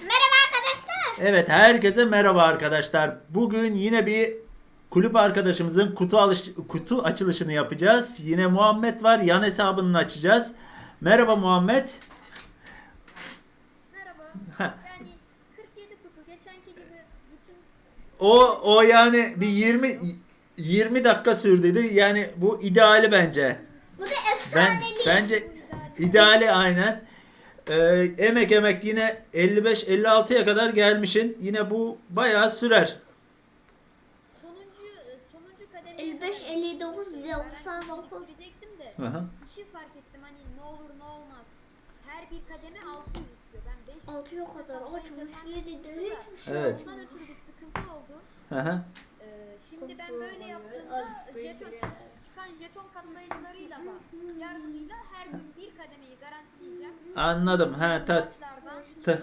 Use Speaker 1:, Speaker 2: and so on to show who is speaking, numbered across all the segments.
Speaker 1: Merhaba arkadaşlar.
Speaker 2: Evet, herkese merhaba arkadaşlar. Bugün yine bir kulüp arkadaşımızın kutu açılışını yapacağız. Yine Muhammed var. Yan hesabını açacağız. Merhaba Muhammed.
Speaker 3: Merhaba.
Speaker 2: Heh.
Speaker 3: Yani 47 kutu geçenki gibi bütün
Speaker 2: O yani bir 20 dakika sürdü. Yani bu ideali bence.
Speaker 1: Bu da
Speaker 2: Ben
Speaker 1: efsaneli.
Speaker 2: bence ideali aynen. Emek yine 55-56'ya kadar gelmişin. Yine bu bayağı sürer.
Speaker 3: sonuncu kademe
Speaker 1: 55, 59, 99.
Speaker 3: diyecektim de
Speaker 2: Hı hı.
Speaker 3: bir şey fark ettim hani ne olur ne olmaz. Her bir kademe 600 istiyor. Ben 500
Speaker 1: 6'ya kadar açmış, 7'de hiçbir şey
Speaker 2: Evet.
Speaker 3: Ondan ötürü bir sıkıntı oldu.
Speaker 2: Hı hı.
Speaker 3: Şimdi ben böyle yaptığımda çıkan jeton katlayıcılarıyla da yardımıyla her gün bir kademeyi garantileyeceğim.
Speaker 2: Anladım. Ha,
Speaker 3: Maçlardan
Speaker 2: ta-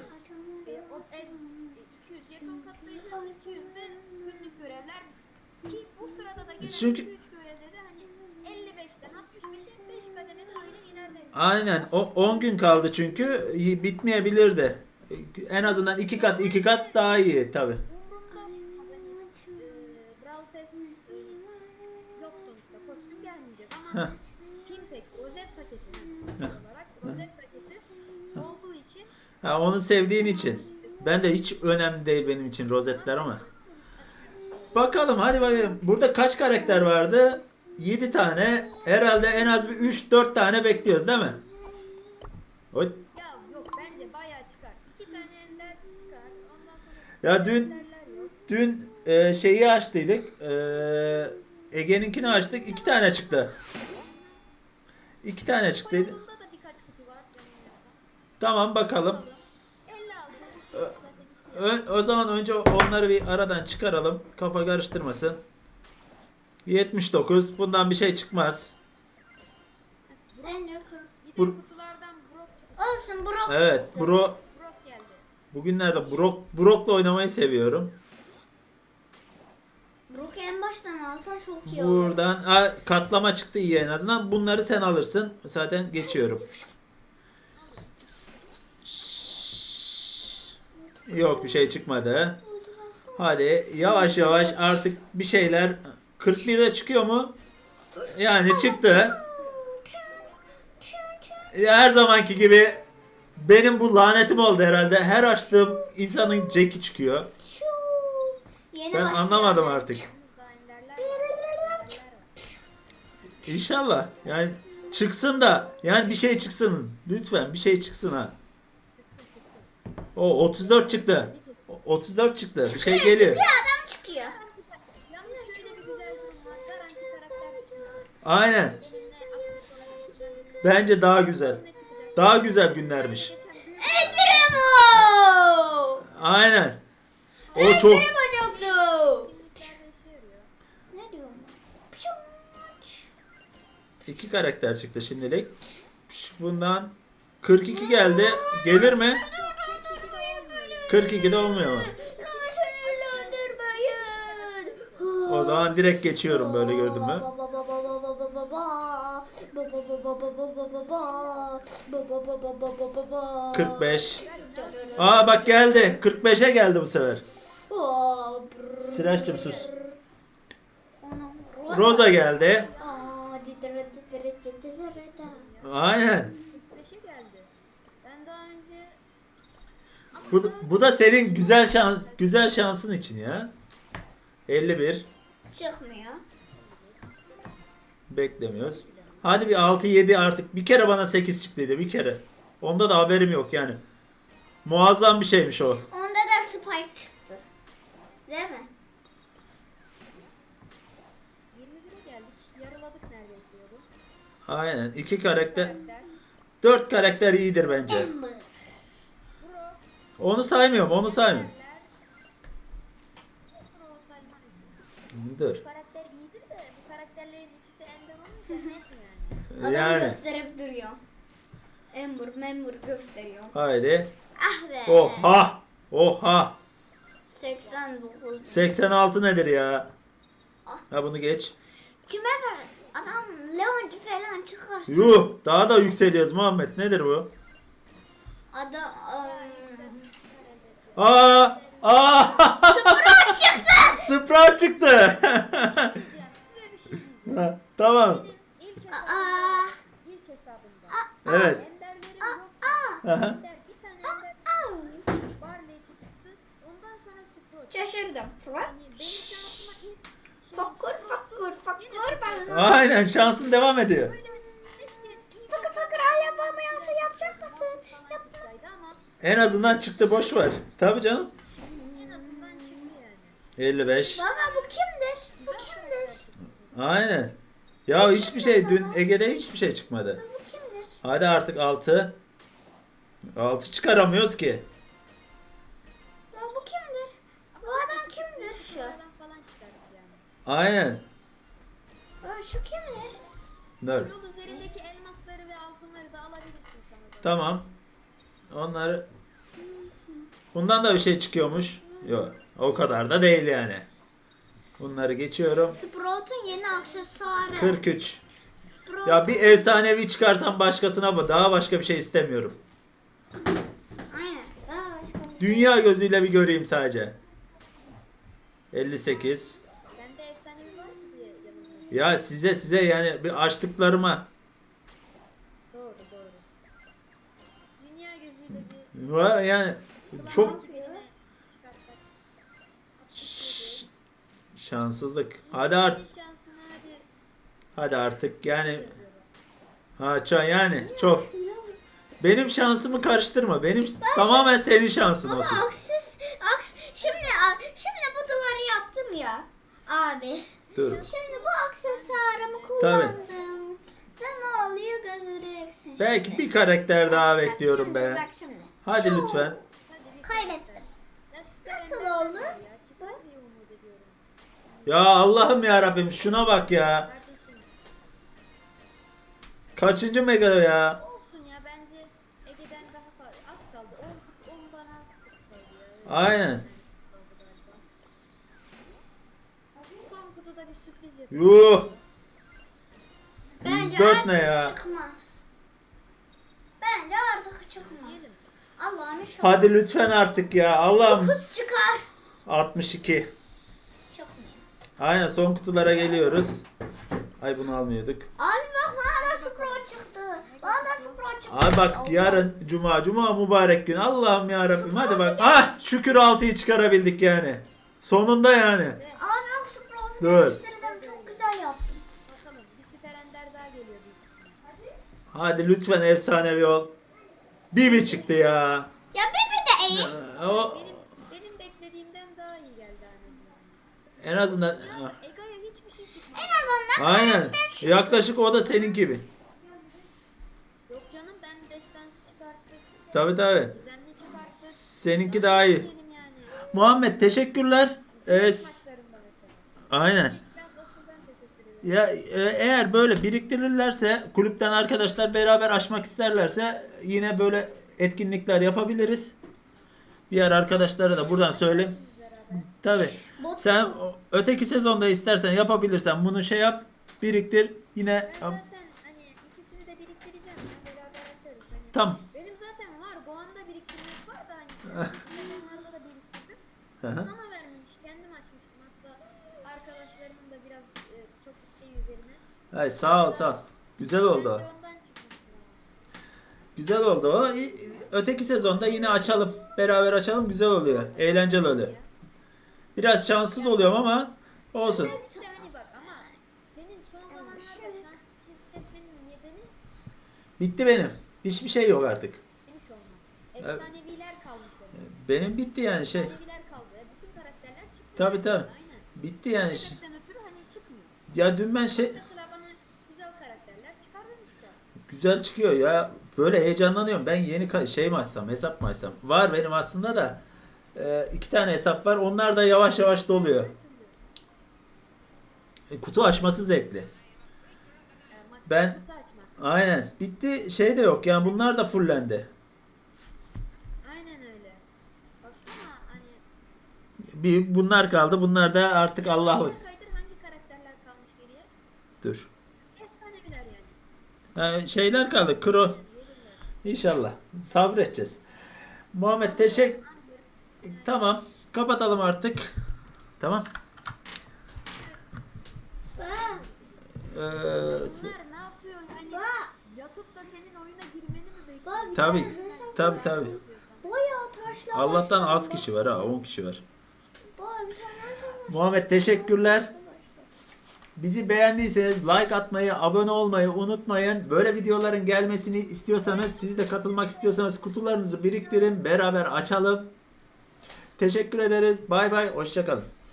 Speaker 3: 200 jeton katlayıcı, 200 de günlük görevler ki bu sırada da gelen
Speaker 2: Çünkü-
Speaker 3: 2-3 görevde de hani 55'ten 65'e 5 kademede öyle ilerleriz.
Speaker 2: Aynen. O 10 gün kaldı çünkü bitmeyebilir de. En azından iki kat daha iyi tabi.
Speaker 3: Umurumda hani Brawl Pass yok sonuçta kostüm gelmeyecek ama Pimpek rozet paketi olarak rozet paketi olduğu için
Speaker 2: Ha, onu sevdiğin için. Ben de hiç önemli değil benim için rozetler ama. Bakalım hadi bakalım. Burada kaç karakter vardı? 7 tane. Herhalde en az bir 3-4 tane bekliyoruz değil mi? Oy.
Speaker 3: ya yok bence bayağı çıkar. 2 tane ender çıkar. Ondan sonra
Speaker 2: Ya dün şeyi açtıydık. Ege'ninkini açtık. 2 tane çıktı. 2 tane çıktıydı.
Speaker 3: bunda da birkaç kutu var.
Speaker 2: Tamam bakalım.
Speaker 3: 56
Speaker 2: O zaman önce onları bir aradan çıkaralım. Kafa karıştırmasın. 79. Bundan bir şey çıkmaz.
Speaker 1: Ben de
Speaker 3: Bir de
Speaker 2: Bur-
Speaker 3: kutulardan Brock çıktı.
Speaker 1: olsun Brock
Speaker 2: Evet,
Speaker 1: çıktı.
Speaker 3: Brock geldi.
Speaker 2: bugünlerde Brock'la oynamayı seviyorum.
Speaker 1: Brock'u en baştan alsan çok iyi olur.
Speaker 2: Buradan katlama çıktı iyi en azından. Bunları sen alırsın. Zaten geçiyorum. Yok bir şey çıkmadı. Hadi yavaş yavaş artık bir şeyler 41'de çıkıyor mu? Yani çıktı. Her zamanki gibi benim bu lanetim oldu herhalde. Her açtığım insanın Jack'i çıkıyor.
Speaker 1: Yeni
Speaker 2: Ben
Speaker 1: başlıyor.
Speaker 2: anlamadım artık.
Speaker 3: Daha enderler var.
Speaker 2: İnşallah. Yani çıksın da yani bir şey çıksın. Lütfen bir şey çıksın ha. O 34 çıktı. 34 çıktı. Bir şey geliyor.
Speaker 1: Bir adam çıkıyor.
Speaker 3: Yalnız şöyle bir güzel durum var. Garanti karakter çıkıyor.
Speaker 2: Aynen.
Speaker 3: Eline aksesuar çıkacak.
Speaker 2: Bence daha güzel.
Speaker 3: Ne çıkacak?
Speaker 2: Daha güzel günlermiş.
Speaker 3: Geçen büyük
Speaker 1: Enderemo!
Speaker 2: Aynen. O çok
Speaker 1: Enderemo çoktu.
Speaker 3: günlüklerde işe yarıyor.
Speaker 1: Ne diyorum ben?
Speaker 2: 2 karakter çıktı şimdilik. Bundan 42 geldi. Gelir mi? 42'de olmuyor mu? O zaman direkt geçiyorum böyle gördün mü? 45. Aa bak geldi. 45'e geldi bu sefer. Sıraç'cığım sus. Rosa geldi. Aynen.
Speaker 3: 45'e geldi. Ben daha önce
Speaker 2: Bu da senin güzel şansın için ya. 51.
Speaker 1: Çıkmıyor.
Speaker 2: Beklemiyoruz. Hadi bir 6-7 artık. Bir kere bana 8 çıktıydı bir kere. Onda da haberim yok yani. Muazzam bir şeymiş o.
Speaker 1: Onda da Spike çıktı. Değil mi?
Speaker 3: 21'e geldik. Yarıladık neredeyse yolu.
Speaker 2: Aynen. 2 karakter.
Speaker 3: Karakter.
Speaker 2: 4 karakter iyidir bence.
Speaker 1: Ember.
Speaker 3: Brock.
Speaker 2: Onu saymıyorum. Onu saymıyorum.
Speaker 3: Brock Salman.
Speaker 2: Dur.
Speaker 3: Bu karakter iyidir de bu karakterlerin ikisi ender olunca net yani.
Speaker 1: Adam
Speaker 2: Yani.
Speaker 1: gösterip duruyor. Memur gösteriyor.
Speaker 2: Haydi.
Speaker 1: Ah be.
Speaker 2: Oha. Oha.
Speaker 1: 89.
Speaker 2: 86 nedir ya? Ha bunu geç.
Speaker 1: Kime ver? Adam Leoncu falan çıkarsın.
Speaker 2: Yuh. Daha da yükseliyoruz Muhammed. Nedir bu?
Speaker 1: Adam Sprout çıktı.
Speaker 2: Sprout çıktı.
Speaker 3: Diyeceğim, size bir şey diyeceğim.
Speaker 2: Tamam.
Speaker 3: Benim
Speaker 1: Aa.
Speaker 3: ilk hesabımda
Speaker 2: Evet.
Speaker 3: enderlerim yok.
Speaker 2: Aha.
Speaker 3: Ender, bir tane ender Barley çıktı. Ondan sonra Sprout.
Speaker 1: Şaşırdım.
Speaker 3: Yani benim şansıma ilk
Speaker 1: Fakur fakur fakur ben.
Speaker 2: Aynen, şansın devam ediyor.
Speaker 1: Fakir fakir ay yapamıyorsa yapacak mısın? Yap.
Speaker 3: Ama
Speaker 2: En azından çıktı, boş ver. Tabii canım.
Speaker 3: en azından çıktı yani.
Speaker 2: 55.
Speaker 1: Baba bu kimdir? Bu kimdir?
Speaker 2: Aynen. Ya hiçbir şey, dün Ege'de hiçbir şey çıkmadı.
Speaker 1: Bu kimdir?
Speaker 2: Hadi artık 6. 6 çıkaramıyoruz ki.
Speaker 1: Ya bu kimdir? Bu adam kimdir şu?
Speaker 3: Şuradan falan çıkardık yani.
Speaker 2: Aynen.
Speaker 1: Aa, şu kimdir?
Speaker 2: Dur.
Speaker 3: Yol üzerindeki elmasları ve altınları da alabilirsin sana da.
Speaker 2: Tamam. Onları... Bundan da bir şey çıkıyormuş. Yok. O kadar da değil yani. Bunları geçiyorum.
Speaker 1: Sprout'un yeni aksesuarı.
Speaker 2: 43.
Speaker 1: Sprout.
Speaker 2: Ya bir efsanevi çıkarsam başkasına bu. Daha başka bir şey istemiyorum.
Speaker 1: Aynen. Aa, başka bir-
Speaker 2: Dünya gözüyle bir göreyim sadece. 58.
Speaker 3: Sende efsanevi var mı diye yanımda.
Speaker 2: Ya size yani bir açtıklarıma.
Speaker 3: Doğru doğru. Dünya gözüyle bir
Speaker 2: Yani çok
Speaker 3: birini çıkarsak.
Speaker 2: şanssızlık. Hadi artık.
Speaker 3: Bir şansına hadi.
Speaker 2: Hadi artık yani. Yani çok. Benim şansımı karıştırma. Benim tamamen senin şansın
Speaker 1: Baba
Speaker 2: olsun.
Speaker 1: şimdi bu duvarı yaptım ya. Abi.
Speaker 2: Dur.
Speaker 1: Şimdi bu aksesuarımı kullandım. Da ne oluyor göreceksin şimdi.
Speaker 2: Belki bir karakter daha
Speaker 1: Bak
Speaker 2: bekliyorum
Speaker 1: şimdi,
Speaker 2: be.
Speaker 1: Bak şimdi.
Speaker 2: Hadi
Speaker 1: Çok-
Speaker 2: lütfen.
Speaker 3: Hadi bir
Speaker 1: Kaybettim. Nasıl
Speaker 3: ender
Speaker 1: oldu?
Speaker 3: ya. Çıkar diye umut ediyorum.
Speaker 2: Ya Allah'ım ya Rabbim, şuna bak ya.
Speaker 3: Kardeşim
Speaker 2: Kaçıncı mega ya?
Speaker 3: olsun ya bence Ege'den daha fazla az kaldı. 10 bana az kaldı ya.
Speaker 2: Aynen.
Speaker 3: Son kutuda bir sürpriz yapıyor.
Speaker 2: Yuh.
Speaker 1: Bence
Speaker 2: 104 ne
Speaker 1: artık
Speaker 2: ya?
Speaker 1: çıkmaz. Bence artık çıkmaz. Allah'ım şu
Speaker 2: Hadi lütfen artık ya. Allah'ım.
Speaker 1: 9 çıkar.
Speaker 2: 62.
Speaker 1: Çıkmıyor.
Speaker 2: Aynen, son kutulara geliyoruz. Ay, bunu almıyorduk.
Speaker 1: Abi bak bana da Sprout çıktı. Bana da Sprout çıktı.
Speaker 2: Abi bak, yarın cuma mübarek gün. Allah'ım ya Rabbim, hadi bak. Ah, şükür 6'yı çıkarabildik yani. Sonunda yani.
Speaker 1: Abi bak Sprout'u
Speaker 2: Dur.
Speaker 1: değiştirdim. Çok güzel yaptım.
Speaker 3: Bakalım bir süper ender daha geliyor büyük ihtimalle.
Speaker 2: Hadi lütfen efsanevi ol. Bibi çıktı ya.
Speaker 1: Ya Bibi de iyi.
Speaker 2: O
Speaker 3: Benim beklediğimden daha iyi geldi annemden.
Speaker 2: en azından
Speaker 3: Ya Ege'ye hiçbir şey çıkmadı.
Speaker 1: En azından
Speaker 2: aynen. Yaklaşık o da senin gibi.
Speaker 3: Yok canım ben destansı çıkarttık.
Speaker 2: Tabii tabii.
Speaker 3: Düzenli çıkarttık.
Speaker 2: Seninki daha iyi.
Speaker 3: Diyelim yani.
Speaker 2: Muhammed, teşekkürler.
Speaker 3: Maçlarında mesela.
Speaker 2: Aynen.
Speaker 3: Biraz asıl ben teşekkür ederim.
Speaker 2: Ya eğer böyle biriktirirlerse, kulüpten arkadaşlar beraber açmak isterlerse yine böyle etkinlikler yapabiliriz. Diğer arkadaşlara da buradan söyleyeyim. Tabii. Sen öteki sezonda istersen yapabilirsen bunu şey yap, biriktir. Yine
Speaker 3: Ben zaten hani ikisini de biriktireceğim. Ya, beraber açarız. Hani
Speaker 2: tam.
Speaker 3: benim zaten var. Bu anda biriktirmek var da hani sezonlarda da biriktirdim.
Speaker 2: Hı hı.
Speaker 3: Sana vermemiş. Kendim açmıştım. Hatta arkadaşlarımın da biraz çok isteği üzerine.
Speaker 2: Ay, sağ ol sağ ol. Güzel oldu o.
Speaker 3: Ben de ondan çıkmıştım.
Speaker 2: Güzel oldu o. Öteki sezonda yine açalım. Beraber açalım, güzel oluyor. Eğlenceli oluyor. Biraz şanssız oluyorum ama olsun.
Speaker 3: İşte hani bak ama senin son zamanlarda şanssız hissetmenin nedeni
Speaker 2: Bitti benim. Hiçbir şey yok artık.
Speaker 3: demiş olman. Efsaneviler kalmış olman.
Speaker 2: Benim bitti yani şey.
Speaker 3: Efsaneviler kaldı. Bütün karakterler çıktı.
Speaker 2: Tabii tabii.
Speaker 3: Aynen.
Speaker 2: Bitti yani.
Speaker 3: Sebepten ötürü hani çıkmıyor.
Speaker 2: Ya dün ben şey
Speaker 3: Mesela bana güzel karakterler çıkardın işte.
Speaker 2: güzel çıkıyor ya. Böyle heyecanlanıyorum. Ben yeni şey mi açsam, hesap mı açsam? Var benim aslında da. 2 tane hesap var. Onlar da yavaş yavaş doluyor. Kutu açması zevkli.
Speaker 3: Maksat
Speaker 2: Ben-
Speaker 3: kutu açmak.
Speaker 2: Aynen. Bitti. Şey de yok. Yani bunlar da fullendi.
Speaker 3: Aynen öyle. Baksana hani
Speaker 2: Bunlar kaldı. Bunlar da artık Allah'lık.
Speaker 3: aşağı kaydır hangi karakterler kalmış geriye?
Speaker 2: Dur.
Speaker 3: Efsaneviler yani.
Speaker 2: Şeyler kaldı. Kro.
Speaker 3: Gelirler.
Speaker 2: İnşallah. Sabredeceğiz. Muhammed Tamam. Kapatalım artık. Tamam.
Speaker 1: Bak.
Speaker 3: Bunlar ne yapıyor? Hani
Speaker 1: Bak.
Speaker 3: yatıp da senin oyuna girmeni mi bekliyor?
Speaker 1: Bak.
Speaker 2: Tabii.
Speaker 1: Resim
Speaker 2: Tabii
Speaker 1: var.
Speaker 2: tabii.
Speaker 1: Bayağı taşlar.
Speaker 2: Allah'tan
Speaker 1: başladı.
Speaker 2: az kişi var ha. 10 kişi var.
Speaker 1: Bak, bir tane resim var.
Speaker 2: Muhammed teşekkürler. Bizi beğendiyseniz like atmayı, abone olmayı unutmayın. Böyle videoların gelmesini istiyorsanız, siz de katılmak istiyorsanız kutularınızı biriktirin. Beraber açalım. Teşekkür ederiz. Bay bay. Hoşça kalın.